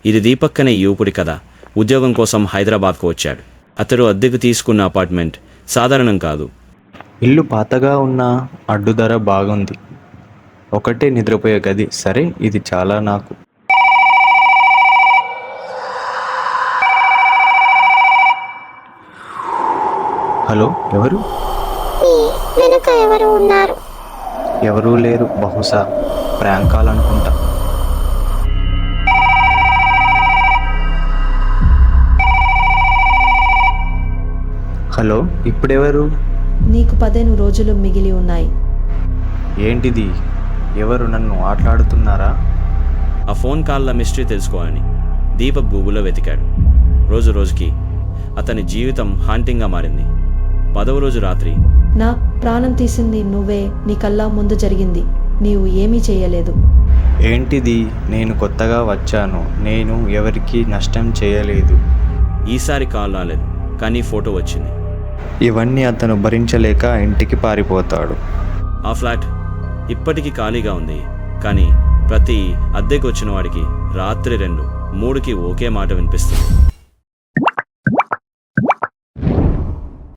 ఇది దీపక్ అనే యువకుడి కథ. ఉద్యోగం కోసం హైదరాబాద్కు వచ్చాడు. అతడు అద్దెకు తీసుకున్న అపార్ట్మెంట్ సాధారణం కాదు. ఇల్లు పాతగా ఉన్న అడ్డుధర బాగుంది. ఒకటే నిద్రపోయే గది. సరే, ఇది చాలా నాకు. హలో, ఎవరు? వెనుక ఎవరు ఉన్నారు? ఎవరూ లేరు. బహుశా ప్రాంక్ కాల్ అనుకుంటా. హలో, ఇప్పుడెవరు? నీకు 15 రోజులు మిగిలి ఉన్నాయి. ఏంటిది? ఎవరు నన్ను ఆటలాడుతున్నారా? ఆ ఫోన్ కాల్ల మిస్టరీ తెలుసుకోవాలని దీపక్ గూగుల్లో వెతికాడు. రోజు రోజుకి అతని జీవితం హాంటింగ్గా మారింది. 10వ రోజు రాత్రి, నా ప్రాణం తీసింది నువ్వే. నీ కళ్ళ ముందు జరిగింది. నీవు ఏమీ చేయలేదు. ఏంటిది? నేను కొత్తగా వచ్చాను. నేను ఎవరికీ నష్టం చేయలేదు. ఈసారి కాల్ రాలేదు, కానీ ఫోటో వచ్చింది. ఇవన్నీ అతను భరించలేక ఇంటికి పారిపోతాడు. ఆ ఫ్లాట్ ఇప్పటికీ ఖాళీగా ఉంది. కానీ ప్రతి అద్దెకు వచ్చిన వాడికి రాత్రి 2, 3కి ఒకే మాట వినిపిస్తుంది.